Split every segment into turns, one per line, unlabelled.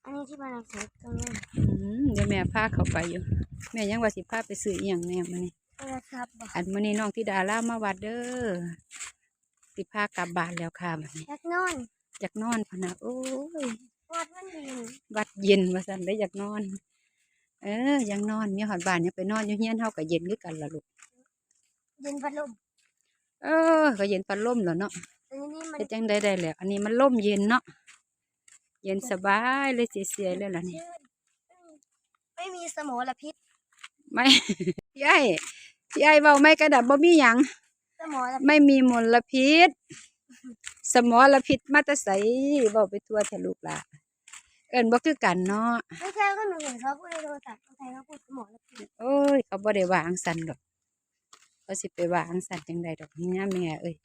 อันนี้ที่บ้านเราเสร็จตรงนี้
เดี๋ยวแม่พาเขาไปอยู่แม่ยังว่าสิพาไปซื้ออีหยังแน่มื้อนี้
โทรศัพท์บ่
อันมื้อนี้น้องธิดาลามาวัดเด้อสิพากลับบ้านแล้วค่ะบัดนี้
อยากนอน
อยากนอนพะนะโอ้ย
วัดมันดี
วัดเย็นว่าซั่นได้อยากนอนยังนอนมีฮอดบ้านยังไปนอนอยู่เฮียนเฮาก็เย็นคือกันล่ะลูก
เย็นพัดลม
ก็เย็นพัดลมแล้วเนาะ
อันนี้มัน
เฮ็ดจังได้แล้วอันนี้มันลมเย็นเนาะเย็นสบายเลยเสียๆเลยล่ะนี่
ไม่มีสมลพิษ
ไม่ พี่ไอ้เว้าไม่กระดับบ่มีหยัง
สมล
ไม่มีมลพิษสมลพิษมาแต่ไสเว้าไปทั่วแท้ลูกล่ะเอิ้นบ่คือกันเนาะ
ไม่ใช่ก็หนูเห็นเขาพูดในโทรศัพท์คนไทยเขาพูดสมลพิษ
โอ้ยเขาบ่ได้วางสันดอกเขาสิไปวางสันจังใดดอกนี่แม่เอ้ย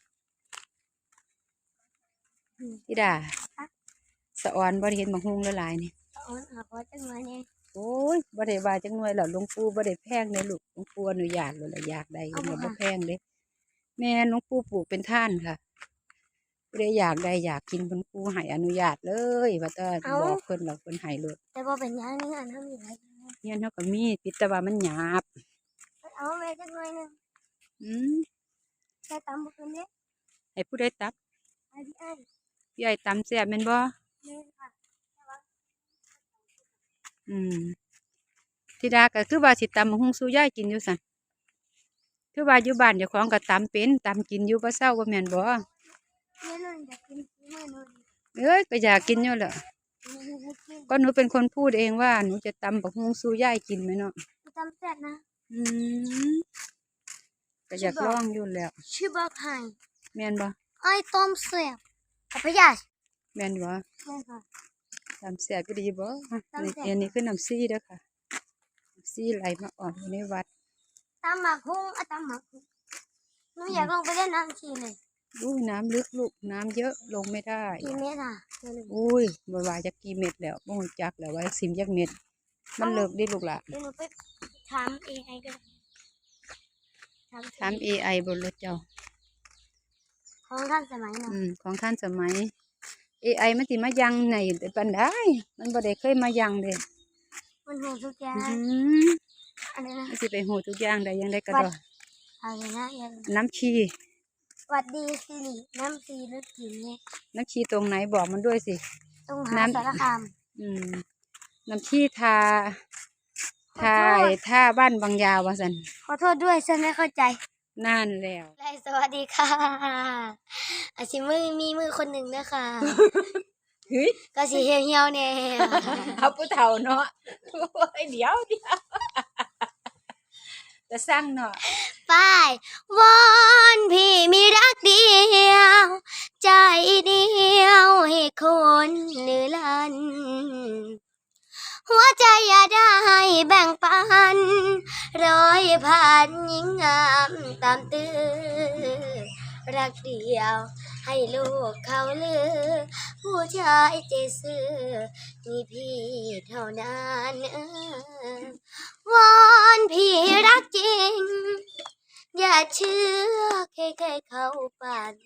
ธิดาสะออนบ่ได้เห็นบักฮุงหลายๆนี่
อ๋อหาพอจังเลยเนี่ย
โอ้ยบ่ได้ว่าจังหน่วยแล้วหลวงปู่บ่ได้แพงเด้ลูกหลวงปู่อนุญาตเลยล่ะอยากได้มันบ่แพงเด้แม่หลวงปู่ปลูกเป็นท่านค่ะผู้ใดอยากได้อยากกินเพิ่นปู่ให้อนุญาตเลยว่าแต่บอกเพิ่นแล้วเพิ่นให้เลย
แต่พอเป็นอย่างนี้อันทำอย่างไร
เฮียนเฮาก็มีปิดแต่ว่ามันหยาบ
เอาแม่จังเลยนึงแต่ตำบุกนี้
ให้ผู้ใดตับ
ไอ้พี่ไอ้
พี่ไอ้ตำแซ่บแม่นบ่
นี่ค่ะ
ธิดาก็คือว่าสิตำบักหุ่งสู่ยายกินอยู่สั่นคือว่าอยู่บ้านเจ้าของก็ตำเป็นตำกินอยู่บ่เศร้าบ่แม่นบ่ก็อยากกินอยู่แหละก็หนูเป็นคนพูดเองว่าหนูจะตำบักหุ่งสู่ยายกินไหมเนาะ
ตำแซ่บนะ
ก็อยากลองอยู่แล้ว
ชื่อบอกให้
แม่นบ่
ไอ้ต้มแซ่บกับพยา
แม่นบ่
ใช่ค่ะ
น้ำแซ่บก็ดีบ่อันนี้คือน้ำซี่เด้อค่ะน้ำซี่ไหลมาอ่อนอยู่ในวัด
ตำหมักหุ้งตำหมักหุ้งหนูอยากลงไปเล่นน้ำชีเลย
น้ำลึกลูกน้ำเยอะลงไม่ได้
กี่เม็ดอ่ะ
อุ้ยบ่ว่าจะกี่เม็ดแล้วบ่ฮู้จักแล้วว่าสิมจักเม็ดมันเลิกดิลูกล่ะ
หนูไปถาม AI ก็
ถาม AI บนรถเจ้า
ของท่านสมัยน่ะ
ของท่านสมัย AI มันสิมายังไหนแต่ปันได้มันบ่ได้เคยมายังเด้
มันหูทุกอย่างอะไรนะ
มันสิไปหูทุกอย่างได้ยังได้กระดอ
อะไรนะ
น้ำชี
วัดดีสิริน้ำชีลึกกินเนี่ย
น้ำชีตรงไหนบอกมันด้วยสิ
ตรงหาสารคาม
น้ำชีท่าบ้านบางยาวว่าสัน
ขอโทษด้วยฉันไม่เข้าใจ
นั่นแล้ว
สวัสดีค่ะอาชิมือคนหนึ่งนะคะก็สีเหี่ยวเนี่ย
เขาผู้เฒ่าเนาะเดี๋ยวจะสร้างเนาะ
ไปวอนพี่มีรักเดียวใจเดียวให้คนเนื้อลันหัวใจอย่าได้แบ่งปัน100,000ยิ่งงามตามตื้อรักเดียวให้ลูกเขาลือผู้ชายใจซื่อมีพี่เท่านั้นวอนพี่รักจริงอย่าเชื่อใครเขาปั่น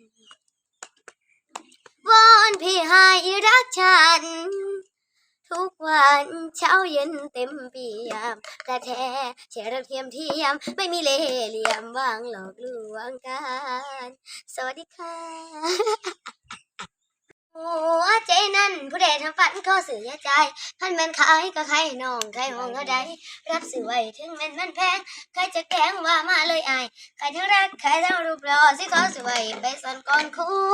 วอนพี่ให้รักฉันทุกวันเช้าเย็นเต็มเปี่ยมกระแทแช่รักเทียมไม่มีเล่ห์เหลี่ยมวางหลอกลวงกันสวัสดีค่ะหัวใจนั้นผู้ใดทำฝันข้อสื่อยาใจขันแม่นขายก็ใครน้องใครห้องเขาใดรับสื่อไว้ถึงแม่นมันแพงใครจะแกล้งว่ามาเลยอายใครทั้งรักใครทั้งรูปหล่อสิขอสื่อไว้ไปซ่อนก่อน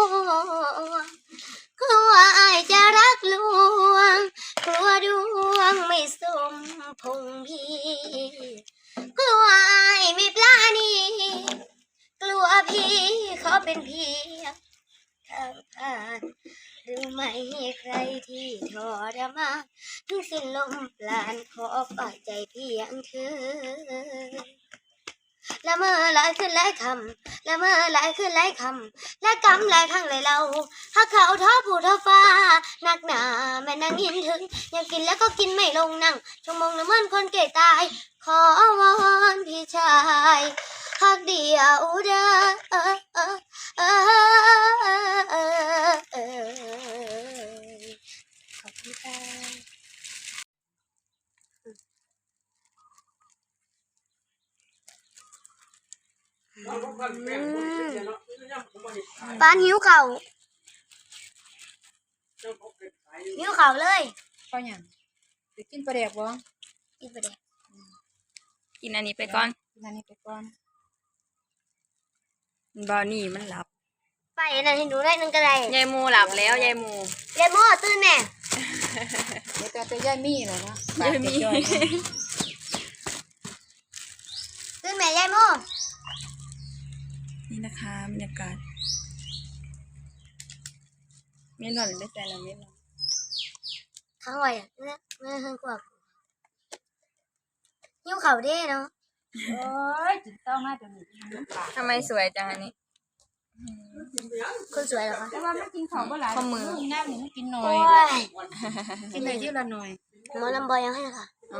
กลัวอายจะรักลวงกลัวดวงไม่สมพงพี่กลัวอายไม่ปลาณีกลัวพี่ขอเป็นเพียงทางผ่านหรือไม่ใครที่ทรมานถึงสิ้นลมปราณขอฝากใจเพียงเธอละเมอหลายขึ้นหลายคำละเมอหลายขึ้นหลายคำและกำหลายครั้งเลยเราหากเขาท้อผู้ท้อฟ้าหนักหนาแม่นางยินถึงอยากกินแล้วก็กินไม่ลงนั่งชั่วโมงละเมินคนเก่ตายขอวอนพี่ชายหากเดียวเด้อขอบคุณค่ะปานหิวเข่าวหิวเข่าวเลย
ก็หยังสิกินปลาแดกบ่
กินไปเด็ก
กินอันนี้ไปก่อน
กินอันนี้ไปก่อน
บอนี่มันหลับ
ไปนั่นให้หนูได้นึงก็ได้
ยายมูหลับแล้วยายมู
เรียนโม่ตื่นแน่
เดี๋ยวจะย่ายมี่เหรอเนาะ
ยายมี
ตื่นแม่ยายโม่
นี่นะคะบรรยากาศไม่หล่อนไม่ใจเราไม่หล่อน
ข้างไว้อะเนี่ยไม่เพิ่งกว่าหิวเข่าวเด้เนาะ
โอ้ยจิตต้องมาตัวนี้น้ำปลา
ทำไมสวยจังอันนี้
คนสวยเหรอคะ
แต่ว่ามันกินของบ่หลาย
ข้อมือ
น้ำนี่มันกินหน่อ
โอ้
ย
ย
กินได้ทีละหน่อย
หมอลำบอยยังให้นะคะ
อ๋อ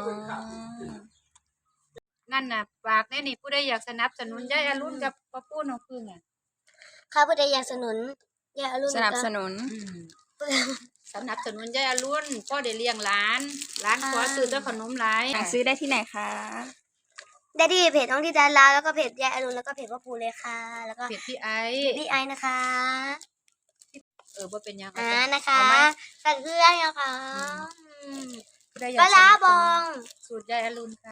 นั่นน่ะฝากแน่นี่ผู้ใดอยากสนับสนุนยายอรุณกับป้าปูน้องพึ่งอ่ะ
ข้าผู้ใดอยากสนุนอย่าอรุณ
สนับสนุน
สนับสนุนยายอรุณพ่อได้เลี้ยงหลานขอซื้อแต่ขนมหลาย
สั่งซื้อได้ที่ไหนคะ
ได้ที่เพจน้องที่ดาราแล้วก็เพจยายอรุณแล้วก็เพจพ่อปูเลยค่ะ แล้วก็
เผ็ดพี่ไอ
พี่ไอนะคะ
บ่เป็นหยัง
นะคะ
เอาไหม
สั่งเครื่องนะคะ
ผู้ใดอยา
ปลาก ร้า
สนั
บอง
สูตรยายอรุณค่ะ